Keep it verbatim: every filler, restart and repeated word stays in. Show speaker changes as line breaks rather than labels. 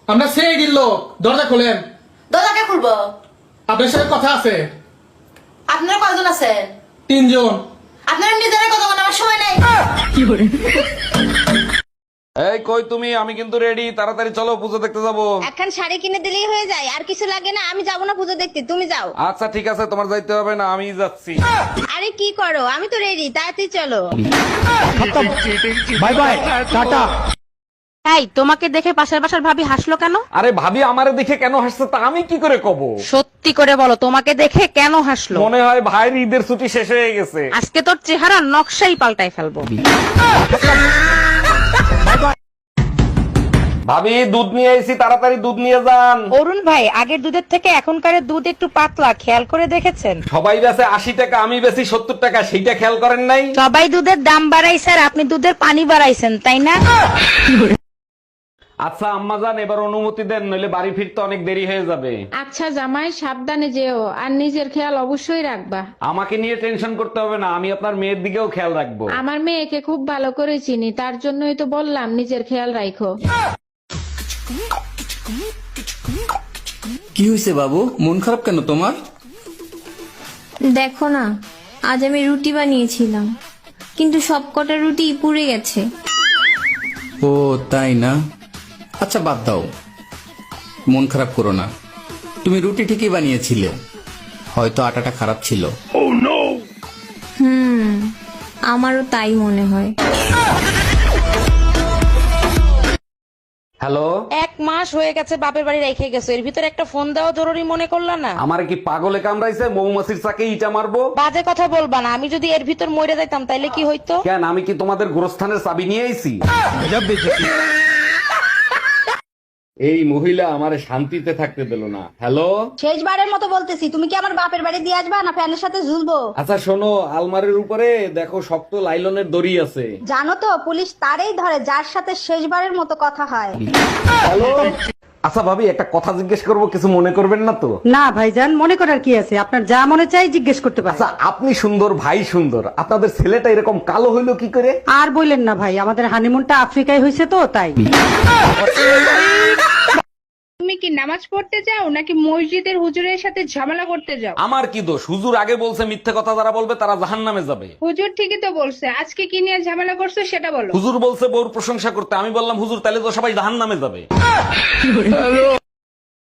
আমরা সেই দিল দরজা খোলেন।
দরজাকে খুলবো?
আপনার সাথে কথা আছে।
আপনারা কয়জন আছেন?
তিনজন।
আপনারা নিজেরা কথা বলার আমার সময় নাই।
এই কই তুমি? আমি কিন্তু রেডি, তাড়াতাড়ি চলো পুজো দেখতে যাবো।
এখন শাড়ি কিনে দিলেই হয়ে যায়, আর কিছু লাগে না। আমি যাবো না পুজো দেখতে, তুমি যাও।
আচ্ছা ঠিক আছে, তোমার যাইতে হবে না, আমি যাচ্ছি।
আরে কি করো, আমি তো রেডি, তাড়াতাড়ি চলো।
Bye bye, tata.
এই তোমাকে দেখে পাশের বাসার ভাবি হাসলো কেন?
আরে ভাবি আমারে দেখে কেন হাসছে তা আমি কি করে কব?
সত্যি করে বলো, তোমাকে দেখে কেন হাসলো?
মনে হয় ভাইয়ের ঈদের ছুটি শেষ হয়ে গেছে।
আজকে তোর চেহারা নকশাই পাল্টাই ফেলবো।
ভাবি দুধ নিয়ে এসেছি, তাড়াতাড়ি দুধ নিয়ে যান।
অরুণ ভাই, আগের দুধের থেকে এখনকার দুধ একটু পাতলা, খেয়াল করে দেখেছেন?
সবাই বেচে আশি টাকা, আমি বেশি সত্তর টাকা, সেইটা খেয়াল করেন নাই?
সবাই দুধের দাম বাড়াইছে আর আপনি দুধের পানি বাড়াইছেন, তাই না?
আচ্ছা আম্মা জান, এবার অনুমতি দেন, নইলে বাড়ি ফিরতে অনেক দেরি হয়ে যাবে।
আচ্ছা জামাই, সাবধানে যেও, আর নিজের খেয়াল অবশ্যই রাখবা।
আমাকে নিয়ে টেনশন করতে হবে না, আমি আপনার মেয়ের দিকেও খেয়াল রাখবো।
আমার মেয়েকে খুব ভালো করে চিনি, তার জন্যই তো বললাম নিজের খেয়াল রাখো।
কি হয়েছে বাবু, মন খারাপ কেন তোমার?
দেখো না, আজ আমি রুটি বানিয়েছিলাম, কিন্তু সব কটা রুটি পুড়ে গেছে।
ও তাই না? আচ্ছা বাদ দাও, মন খারাপ করো না। তুমি রুটি ঠিকই বানিয়েছিলে, হয়তো আটাটা খারাপ ছিল।
হুম, আমারও তাই মনে হয়।
হ্যালো,
এক মাস হয়ে গেছে বাপের বাড়ি রেখে গেছো, এর ভিতরে একটা ফোন দেওয়া জরুরি মনে করলা না?
আমার কি পাগলে কামড়াইছে? মৌমাছির চাকে ইটা মারবো?
বাজে কথা বলবা না, আমি যদি এর ভিতর মরে যাইতাম তাইলে কি হইতো?
কেন, আমি কি তোমাদের গোরস্থানের চাবি নিয়ে আইছি? এই মহিলা আমারে শান্তিতে থাকতে দিল না। হ্যালো,
শেষবারের মতো বলতেছি, তুমি কি আমার বাপের বাড়ি দিয়ে আসবা না ফ্যানের সাথে ঝুলবো?
আচ্ছা শোনো, আলমারির উপরে দেখো শক্ত লাইলনের দড়ি আছে।
জানো তো, পুলিশ তারই ধরে যার সাথে শেষবারের মতো কথা হয়।
হ্যালো, আচ্ছা ভাবি একটা কথা জিজ্ঞেস করবো, কিছু মনে করবেন না তো?
না ভাইজান, মনে করার কি আছে, আপনার যা মনে চাই জিজ্ঞেস করতে পারেন।
আচ্ছা আপনি সুন্দর, ভাই সুন্দর, আপনাদের ছেলেটা এরকম কালো হইলো কি করে?
আর বললেন না ভাই, আমাদের হানিমুনটা আফ্রিকায় হয়েছে তো তাই।
তুমি কি নামাজ পড়তে যাও নাকি মসজিদের হুজুরের সাথে ঝামেলা করতে যাও?
আমার কি দোষ? হুজুর আগে বলছে মিথ্যে কথা যারা বলবে তারা জাহান্নামে যাবে।
হুজুর ঠিকই তো বলছে, আজকে কি নিয়ে ঝামেলা করছো সেটা বলো।
হুজুর বলছে বউর প্রশংসা করতে, আমি বললাম হুজুর তাহলে তো সবাই জাহান্নামে যাবে।